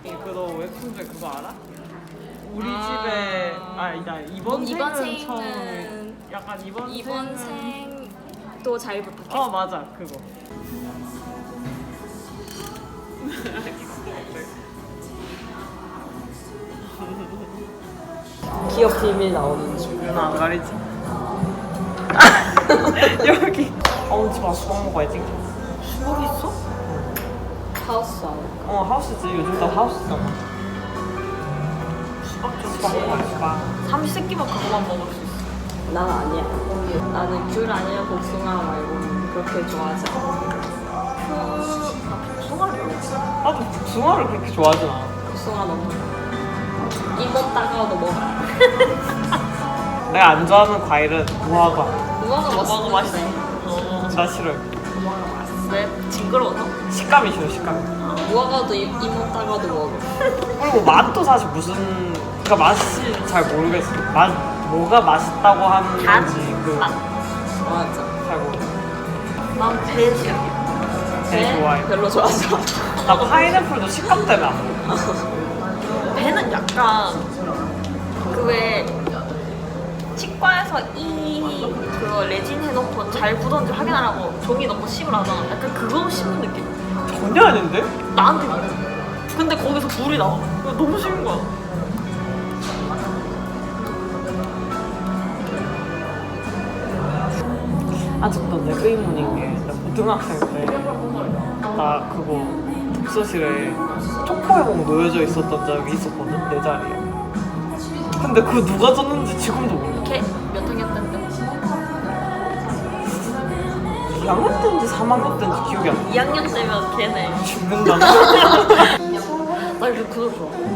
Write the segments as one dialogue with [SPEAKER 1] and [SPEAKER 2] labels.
[SPEAKER 1] 그거 웹툰 중에 그거 알아? 우리 집에 나 이번 생은 처음 약간
[SPEAKER 2] 이번 생도 잘 부탁해.
[SPEAKER 1] 맞아 그거.
[SPEAKER 2] 기업 비밀 나오는 중.
[SPEAKER 1] 누나 안 가리지? 여기. 집 와서 수박 먹어야지. 수박 있어?
[SPEAKER 2] 하우스 아웃.
[SPEAKER 1] 하우스지. 요즘 다 하우스잖아. 수박 먹어야 수박. 삼시세끼만 그거만 먹을 수 있어.
[SPEAKER 2] 난 아니야. 나는 귤 아니면 복숭아 말고는 그렇게 좋아하지 않아.
[SPEAKER 1] 복숭아를 나도 복숭아를 그렇게 좋아하진 않아.
[SPEAKER 2] 복숭아 너무 이번 따가워도 먹어.
[SPEAKER 1] 내가 안 좋아하는 과일은 무화과.
[SPEAKER 2] 무화과 맛있어.
[SPEAKER 1] 나 싫어요.
[SPEAKER 2] 무화과 맛있어.
[SPEAKER 1] 왜? 징그러워서? 식감이 싫어 식감이.
[SPEAKER 2] 무화과도 이번 따가워도 먹어.
[SPEAKER 1] 그리고 맛도 사실 그러니까 맛이 잘 모르겠어. 뭐가 맛있다고 하는 건지
[SPEAKER 2] 맞아.
[SPEAKER 1] 잘 모르겠어.
[SPEAKER 2] 난 배 싫어.
[SPEAKER 1] 배 좋아해.
[SPEAKER 2] 별로 좋아하지 않아.
[SPEAKER 1] 나 파인애플도 식감 때문에 안 먹어.
[SPEAKER 3] 배는 약간 왜 치과에서 그거 레진 해놓고 잘 굳었는지 확인하라고 종이 넣고 씹을 하잖아. 약간 그거 씹는 느낌.
[SPEAKER 1] 전혀 아닌데?
[SPEAKER 3] 나한테 그래. 근데 거기서 물이 나와. 이거 너무 싫은 거야.
[SPEAKER 1] 아직도 내 의문인 게 나 고등학생 때 나 그거 독서실에 초코에몽 놓여져 있었던 적이 있었거든 내 자리에. 근데 그거 누가 줬는지 지금도 몰라.
[SPEAKER 3] 걔 몇 학년 때인데?
[SPEAKER 1] 2학년 때인지 3학년 때인지 기억이 안 나.
[SPEAKER 3] 2학년 때면 걔네.
[SPEAKER 1] 죽는다.
[SPEAKER 3] 나 이거 그거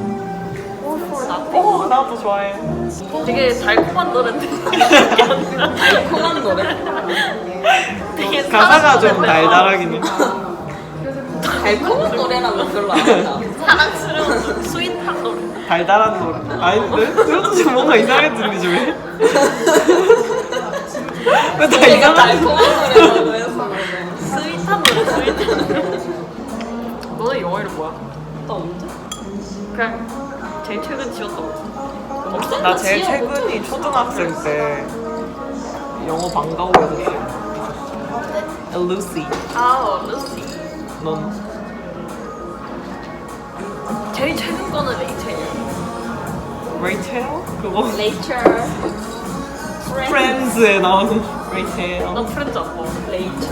[SPEAKER 3] 좋아.
[SPEAKER 1] 나도 좋아해.
[SPEAKER 3] 되게 달콤한 노래인데.
[SPEAKER 2] 달콤한 노래?
[SPEAKER 3] 되게
[SPEAKER 1] 가사가 좀
[SPEAKER 3] 사랑스러운데.
[SPEAKER 1] 달달하긴 해.
[SPEAKER 2] 달콤한 노래라면 별로 안 한다.
[SPEAKER 3] 사랑스러운 스윗한 노래.
[SPEAKER 1] 달달한 노래. 아닌데? 이것도 지금 뭔가 이상하게 들리지 왜? 왜 다
[SPEAKER 2] 내가
[SPEAKER 1] 이상하게
[SPEAKER 2] 달콤한 노래라고 해서
[SPEAKER 3] 스윗한 노래, 스윗한 노래. 너는 영어 이름 뭐야?
[SPEAKER 2] 나 언제?
[SPEAKER 3] 그냥 제일 최근 지었던 거.
[SPEAKER 2] 없어?
[SPEAKER 1] 나 제일 최근이 초등학생 때 영어 방과후였었어. 루시.
[SPEAKER 3] 루시.
[SPEAKER 1] 넌?
[SPEAKER 3] 제일 최근 거는 레이첼.
[SPEAKER 1] 레이첼? 그거
[SPEAKER 2] 레이처
[SPEAKER 1] 프렌즈에 나오는 레이첼.
[SPEAKER 3] 나 프렌즈 안 봐.
[SPEAKER 2] 레이처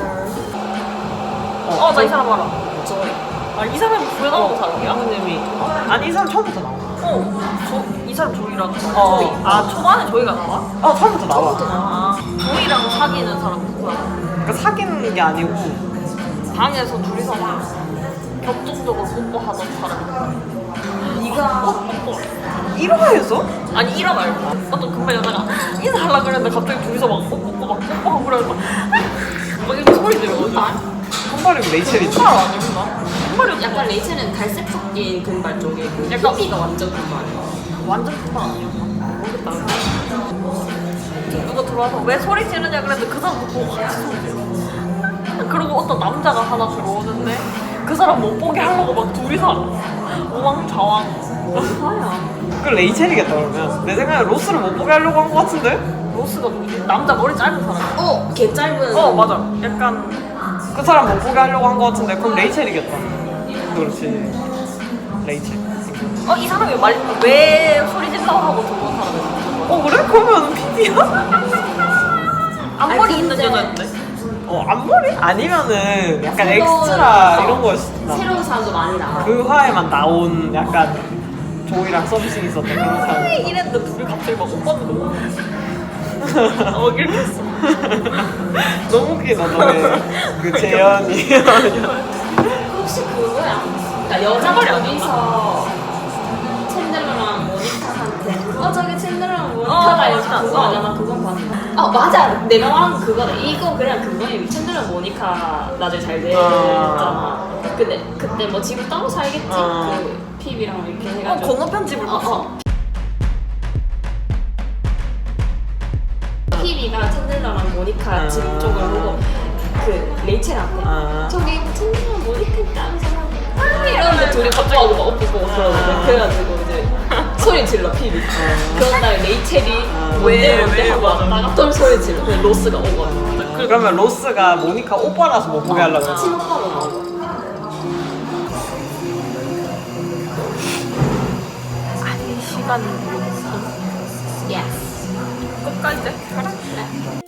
[SPEAKER 3] 나 이 사람 알아.
[SPEAKER 2] 조이.
[SPEAKER 3] 이 사람이 구에 나온 사람이야?
[SPEAKER 1] 부모님이 아니 이 사람 처음부터 나와.
[SPEAKER 3] 이 사람 조이라는 사람.
[SPEAKER 1] 조이.
[SPEAKER 3] 초반에 조이가 나와?
[SPEAKER 1] 처음부터 나와.
[SPEAKER 3] 조이랑 사귀는 사람 누구야?
[SPEAKER 1] 그러니까 사귀는 게 아니고
[SPEAKER 3] 방에서 둘이서 막 격정적으로 뽀뽀하던 사람.
[SPEAKER 2] 네가
[SPEAKER 3] 뽀뽀.
[SPEAKER 1] 1화에서?
[SPEAKER 3] 아니 1화 말고 어떤 금발 여자가 인사하려고 그랬는데 갑자기 둘이서 막 뽀뽀 막 뽀뽀하고 그래서 막 이렇게 소리 들거든.
[SPEAKER 1] 한발이면 레이첼이지.
[SPEAKER 3] 금발 아니구나. 금발이
[SPEAKER 2] 약간 레이첼은 갈색 섞인 금발 쪽에 그
[SPEAKER 3] 약간-
[SPEAKER 2] 피비가 완전 금발이야.
[SPEAKER 3] 완전 금발 아니었나? 모르겠다. 누가 들어와서 왜 소리 지르냐 그랬는데 그 사람도 보고 같이 소리 지르고 그리고 어떤 남자가 하나 들어오는데 그 사람 못 보게 하려고 막 둘이서 우왕좌왕.
[SPEAKER 2] 뭐야?
[SPEAKER 1] 그 레이첼이겠다 그러면. 내 생각에 로스를 못 보게 하려고 한 것 같은데?
[SPEAKER 3] 로스가 누구지? 남자 머리 짧은 사람.
[SPEAKER 2] 개 짧은.
[SPEAKER 3] 맞아. 약간
[SPEAKER 1] 그 사람 못 보게 하려고 한 것 같은데 그럼 레이첼이겠다. 그렇지. 레이첼.
[SPEAKER 3] 이 사람이 왜 소리 질러 하고 들어온 사람이야?
[SPEAKER 1] 그래? 그러면 PD야?
[SPEAKER 3] 앞머리
[SPEAKER 2] 아니,
[SPEAKER 3] 있는
[SPEAKER 2] 근데-
[SPEAKER 3] 여자였는데?
[SPEAKER 1] 앞머리? 아니면은 약간
[SPEAKER 2] 새로운-
[SPEAKER 1] 엑스트라 이런 거였어.
[SPEAKER 2] 새로운 사람도 많이 나와.
[SPEAKER 1] 그 화에만 나온 약간 조이랑 서비스 있었던 그런 사람.
[SPEAKER 3] 이랬는데 둘이 갑자기 막 오빠는 너무 이렇게 했어.
[SPEAKER 1] 너무 웃기다 너네. 그 재현이.
[SPEAKER 2] 혹시 그거야? 그러니까 여자 둘이서 챈들러랑 모니카한테 저기 챈들러랑 모니카가 이렇게
[SPEAKER 3] 맞아.
[SPEAKER 2] 그거 아니야? 나 그건 봤는데 맞아 내가 말한 건 그거다. 이거 그냥 그거야. 챈들러랑 모니카 나중에 잘 됐잖아. 근데 그때 뭐 지금 따로 살겠지? 그 피비랑 이렇게 해가지고
[SPEAKER 3] 건너 편집을 봤어.
[SPEAKER 2] 피비가 챈들러랑 모니카 집 쪽을 보고 그 레이첼한테 저기 챈들러랑 모니카 있다 하면서 이러는데 둘이 뽀뽀하고 막 뽀뽀 그러는데 그래가지고 이제 소리 질러 피비. 그런 다음에 레이첼이 뭔데 하고 왔다가 또 소리 질러. 그냥 로스가 오거든.
[SPEAKER 1] 그러면 로스가 모니카 오빠라서 못 보게 하려고 했지.
[SPEAKER 2] 친오빠로 나오고.
[SPEAKER 3] 아니 시간
[SPEAKER 2] 예스.
[SPEAKER 3] 끝까지 가라.